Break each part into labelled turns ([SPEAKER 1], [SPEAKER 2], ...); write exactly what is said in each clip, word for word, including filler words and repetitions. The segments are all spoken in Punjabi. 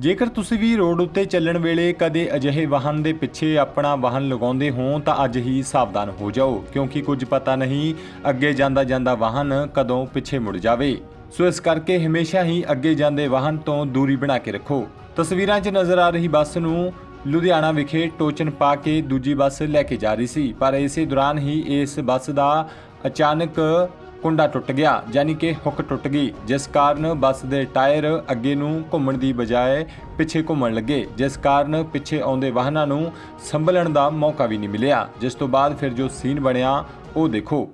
[SPEAKER 1] ਜੇਕਰ ਤੁਸੀਂ ਵੀ ਰੋਡ ਉੱਤੇ ਚੱਲਣ ਵੇਲੇ ਕਦੇ ਅਜਿਹੇ ਵਾਹਨ ਦੇ ਪਿੱਛੇ ਆਪਣਾ ਵਾਹਨ ਲਗਾਉਂਦੇ ਹੋ ਤਾਂ ਅੱਜ ਹੀ ਸਾਵਧਾਨ ਹੋ ਜਾਓ, ਕਿਉਂਕਿ ਕੁਝ ਪਤਾ ਨਹੀਂ ਅੱਗੇ ਜਾਂਦਾ ਜਾਂਦਾ ਵਾਹਨ ਕਦੋਂ ਪਿੱਛੇ ਮੁੜ ਜਾਵੇ। ਸੋ ਇਸ ਕਰਕੇ ਹਮੇਸ਼ਾ ਹੀ ਅੱਗੇ ਜਾਂਦੇ ਵਾਹਨ ਤੋਂ ਦੂਰੀ ਬਣਾ ਕੇ ਰੱਖੋ। ਤਸਵੀਰਾਂ 'ਚ ਨਜ਼ਰ ਆ ਰਹੀ ਬੱਸ ਨੂੰ ਲੁਧਿਆਣਾ ਵਿਖੇ ਟੋਚਨ ਪਾ ਕੇ ਦੂਜੀ ਬੱਸ ਲੈ ਕੇ ਜਾ ਰਹੀ ਸੀ, ਪਰ ਇਸੇ ਦੌਰਾਨ ਹੀ ਇਸ ਬੱਸ ਦਾ ਅਚਾਨਕ ਕੁੰਡਾ ਟੁੱਟ ਗਿਆ, ਯਾਨੀ ਕਿ ਹੁੱਕ ਟੁੱਟ ਗਈ, ਜਿਸ ਕਾਰਨ ਬੱਸ ਦੇ ਟਾਇਰ ਅੱਗੇ ਨੂੰ ਘੁੰਮਣ ਦੀ ਬਜਾਏ ਪਿੱਛੇ ਘੁੰਮਣ ਲੱਗੇ, ਜਿਸ ਕਾਰਨ ਪਿੱਛੇ ਆਉਂਦੇ ਵਾਹਨਾਂ ਨੂੰ ਸੰਭਲਣ ਦਾ ਮੌਕਾ ਵੀ ਨਹੀਂ ਮਿਲਿਆ। ਜਿਸ ਤੋਂ ਬਾਅਦ ਫਿਰ ਜੋ ਸੀਨ ਬਣਿਆ ਉਹ ਦੇਖੋ।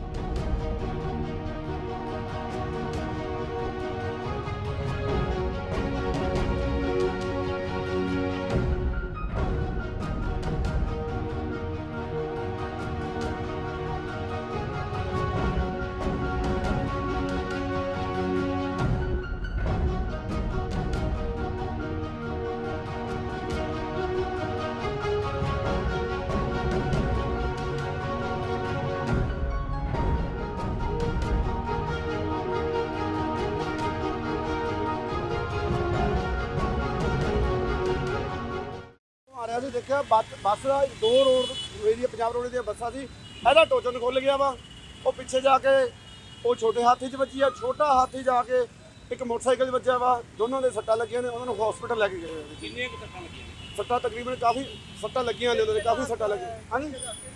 [SPEAKER 2] ਮਾਰਿਆ ਸੀ ਦੇਖਿਆ ਬੱਸ ਬੱਸ ਦਾ ਦੋ ਰੋਡ ਏਰੀਆ ਪੰਜਾਬ ਰੋਡ ਦੀਆਂ ਬੱਸਾਂ ਸੀ, ਇਹਦਾ ਟੋਚਨ ਖੁੱਲ ਗਿਆ ਵਾ। ਉਹ ਪਿੱਛੇ ਜਾ ਕੇ ਉਹ ਛੋਟੇ ਹਾਥੀ 'ਚ ਵੱਜੀ ਆ, ਛੋਟਾ ਹਾਥੀ ਜਾ ਕੇ ਇੱਕ ਮੋਟਰਸਾਈਕਲ 'ਚ ਵੱਜਿਆ ਵਾ। ਦੋਨੋਂ ਦੇ ਸੱਟਾਂ ਲੱਗੀਆਂ ਨੇ, ਉਹਨਾਂ ਨੂੰ ਹਸਪੀਟਲ ਲੈ ਕੇ ਗਏ।
[SPEAKER 3] ਕਿੰਨੀਆਂ ਕੁ ਸੱਟਾਂ ਲੱਗੀਆਂ ਨੇ?
[SPEAKER 2] ਸੱਟਾਂ ਤਕਰੀਬਨ ਕਾਫੀ ਸੱਟਾਂ ਲੱਗੀਆਂ ਨੇ, ਉਹਨਾਂ ਦੇ ਕਾਫੀ ਸੱਟਾਂ ਲੱਗੀਆਂ। ਹਾਂਜੀ,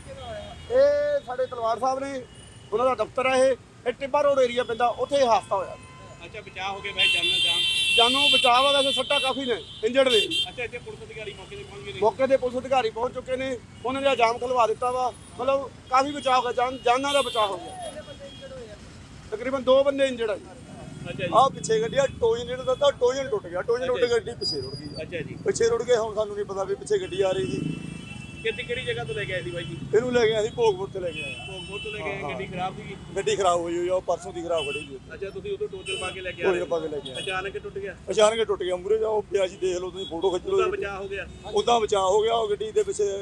[SPEAKER 2] ਇਹ ਸਾਡੇ ਤਲਵਾਰ ਸਾਹਿਬ ਨੇ, ਉਹਨਾਂ ਦਾ ਦਫ਼ਤਰ ਹੈ। ਇਹ ਇਹ ਟਿੱਬਾ ਰੋਡ ਏਰੀਆ ਪੈਂਦਾ, ਉੱਥੇ ਇਹ ਹਾਦਸਾ ਹੋਇਆ।
[SPEAKER 3] ਅੱਛਾ, ਬਚਾਅ ਹੋ ਗਿਆ ਵੈਸੇ ਜਾਨ ਜਾਨ
[SPEAKER 2] ਜਾਨੋਂ ਬਚਾਅ ਵਾ, ਵੈਸੇ ਸੱਟਾਂ ਕਾਫੀ ਨੇ, ਇੰਜਰਡ ਨੇ।
[SPEAKER 3] ਅੱਛਾ, ਇੱਥੇ ਪੁਲਿਸ ਅਧਿਕਾਰੀ ਮੌਕੇ ਤੇ ਪਹੁੰਚ ਗਏ ਨੇ?
[SPEAKER 2] ਮੌਕੇ ਤੇ ਪੁਲਿਸ ਅਧਿਕਾਰੀ ਪਹੁੰਚ ਚੁੱਕੇ ਨੇ, ਉਹਨਾਂ ਨੇ ਜਾਮ ਖਲਵਾ ਦਿੱਤਾ ਵਾ। ਮਤਲਬ ਕਾਫੀ ਬਚਾਅ ਹੋ ਗਿਆ, ਜਾਨ ਜਾਨਾਂ ਦਾ ਬਚਾਅ ਹੋ ਗਿਆ। ਤਕਰੀਬਨ ਦੋ ਬੰਦੇ ਇੰਜਰਡ ਆ ਜੀ।
[SPEAKER 3] ਅੱਛਾ ਜੀ।
[SPEAKER 2] ਆਹ ਪਿੱਛੇ ਗੱਡੀ ਆ ਟੋਇਨ ਜਿਹੜਾ ਤਾਂ ਟੋਇਨ ਟੁੱਟ ਗਿਆ, ਟੋਇਨ ਟੁੱਟ ਕੇ ਗੱਡੀ ਪਿੱਛੇ ਰੁੜ ਗਈ।
[SPEAKER 3] ਅੱਛਾ ਜੀ,
[SPEAKER 2] ਪਿੱਛੇ ਰੁੜ ਗਏ, ਹੁਣ ਸਾਨੂੰ ਨਹੀਂ ਪਤਾ ਵੀ ਪਿੱਛੇ ਗੱਡੀ ਆ ਰਹੀ ਸੀ।
[SPEAKER 3] ਕਿੱਥੇ ਕਿਹੜੀ ਜਗ੍ਹਾ ਤੋਂ ਲੈ ਕੇ ਆਏ ਸੀ ਬਾਈ ਜੀ?
[SPEAKER 2] ਇਹਨੂੰ ਲੈ ਗਏ ਅਸੀਂ ਭੋਗਪੁਰ ਤੇ ਲੈ ਕੇ ਆਏ।
[SPEAKER 3] ਭੋਗਪੁਰ ਤੋਂ ਲੈ ਕੇ ਆਏ। ਗੱਡੀ ਖਰਾਬ ਸੀਗੀ?
[SPEAKER 2] ਗੱਡੀ ਖਰਾਬ ਹੋਈ ਹੋਈ ਆ, ਉਹ ਪਰਸੋਂ ਦੀ ਖਰਾਬ ਖੜੀ ਹੋਈ।
[SPEAKER 3] ਅੱਛਾ, ਤੁਸੀਂ ਉਦੋਂ ਟੋਚਨ ਪਾ ਕੇ ਲੈ ਕੇ
[SPEAKER 2] ਟੋਇਨ
[SPEAKER 3] ਆਏ?
[SPEAKER 2] ਪਾ ਕੇ ਲੈ ਕੇ ਆਏ।
[SPEAKER 3] ਅਚਾਨਕ ਹੀ ਟੁੱਟ ਗਿਆ?
[SPEAKER 2] ਅਚਾਨਕ ਟੁੱਟ ਗਿਆ, ਮੂਰੇ ਜਾਓ ਪਿਆ ਜੀ, ਦੇਖ ਲਓ ਤੁਸੀਂ, ਫੋਟੋ ਖਿੱਚ
[SPEAKER 3] ਉਹਦਾ
[SPEAKER 2] ਲਓ।
[SPEAKER 3] ਬਚਾਅ ਹੋ ਗਿਆ?
[SPEAKER 2] ਉਦਾਂ ਬਚਾਅ ਹੋ ਗਿਆ। ਉਹ ਗੱਡੀ ਦੇ ਪਿੱਛੇ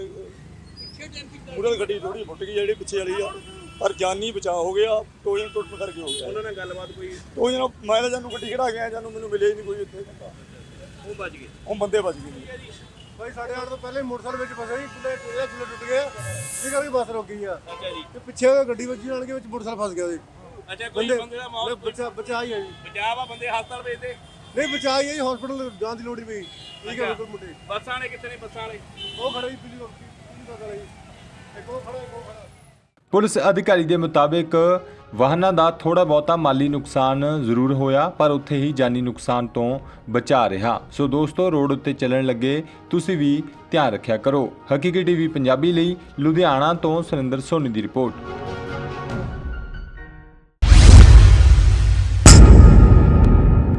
[SPEAKER 2] ਮੂਰੇ ਦੀ ਗੱਡੀ ਥੋੜੀ ਫੁੱਟ ਗਈ, ਜਿਹੜੀ ਪਿੱਛੇ ਵਾਲੀ ਆ, ਪਰ ਜਾਨੀ ਬਚਾਅ ਹੋ ਗਿਆ। ਟੋਇਨ ਟੁੱਟਣ ਕਰਕੇ ਹੋ ਗਿਆ।
[SPEAKER 3] ਉਹਨਾਂ ਨਾਲ ਗੱਲਬਾਤ ਕੋਈ?
[SPEAKER 2] ਉਹ ਜਨਾ ਮੈਂ ਤਾਂ ਜਾਨੂੰ ਗੱਡੀ ਖੜਾ ਗਿਆ, ਜਾਨੂੰ ਮੈਨੂੰ ਮਿਲਿਆ ਹੀ ਨਹੀਂ ਕੋਈ ਇੱਥੇ ਬੰਦਾ।
[SPEAKER 3] ਉਹ ਬਚ ਗਏ?
[SPEAKER 2] ਉਹ ਬੰਦੇ ਬਚ ਗਏ ਜੀ। ਭਾਈ ਸਾਡੇ ਆਉਣ ਤੋਂ ਪਹਿਲੇ ਮੋਟਰਸਾਈਕਲ ਵਿੱਚ ਫਸਿਆ ਸੀ, ਪੁਲੇ ਪੁਲੇ ਪੁਲੇ ਟੁੱਟ ਗਿਆ, ਇਹ ਕਰਕੇ ਬੱਸ ਰੁਕ ਗਈ ਆ।
[SPEAKER 3] ਅੱਛਾ ਜੀ।
[SPEAKER 2] ਤੇ ਪਿੱਛੇ ਗੱਡੀ ਵੱਜੀ ਨਾਲ ਕੇ ਵਿੱਚ ਮੋਟਰਸਾਈਕਲ ਫਸ ਗਿਆ ਸੀ।
[SPEAKER 3] ਅੱਛਾ, ਕੋਈ ਬੰਦੇ ਦਾ ਮੌਤ?
[SPEAKER 2] ਬਚਾ ਬਚਾ ਹੀ ਆ ਜੀ।
[SPEAKER 3] ਬਚਾਅ ਵਾ, ਬੰਦੇ ਹਸਪਤਾਲ ਭੇਜਦੇ?
[SPEAKER 2] ਨਹੀਂ ਬਚਾ ਹੀ ਆ ਜੀ, ਹਸਪੀਟਲ ਜਾਣ ਦੀ ਲੋੜ ਹੀ ਪਈ। ਠੀਕ ਹੈ ਬਿਲਕੁਲ ਮੁੰਡੇ।
[SPEAKER 3] ਬੱਸਾਂ ਵਾਲੇ ਕਿੱਥੇ ਨੇ? ਬੱਸਾਂ ਵਾਲੇ
[SPEAKER 2] ਉਹ ਖੜੇ ਜੀ, ਪਿੱਛੇ ਬੱਸ ਵਾਲਾ ਜੀ, ਇੱਕ ਉਹ ਖੜਾ ਇੱਕ ਉਹ ਖੜਾ।
[SPEAKER 1] ਪੁਲਿਸ ਅਧਿਕਾਰੀ ਦੇ ਮੁਤਾਬਿਕ ਵਾਹਨਾਂ ਦਾ ਥੋੜਾ ਬਹੁਤਾ ਮਾਲੀ ਨੁਕਸਾਨ ਜ਼ਰੂਰ ਹੋਇਆ, ਪਰ ਉੱਥੇ ਹੀ ਜਾਨੀ ਨੁਕਸਾਨ ਤੋਂ ਬਚਾ ਰਿਹਾ। ਸੋ ਦੋਸਤੋ, ਰੋਡ ਉੱਤੇ ਚੱਲਣ ਲੱਗੇ ਤੁਸੀਂ ਵੀ ਧਿਆਨ ਰੱਖਿਆ ਕਰੋ। ਹਕੀਕੀ ਟੀਵੀ ਪੰਜਾਬੀ ਲਈ ਲੁਧਿਆਣਾ ਤੋਂ ਸੁਰਿੰਦਰ ਸੋਨੀ ਦੀ ਰਿਪੋਰਟ।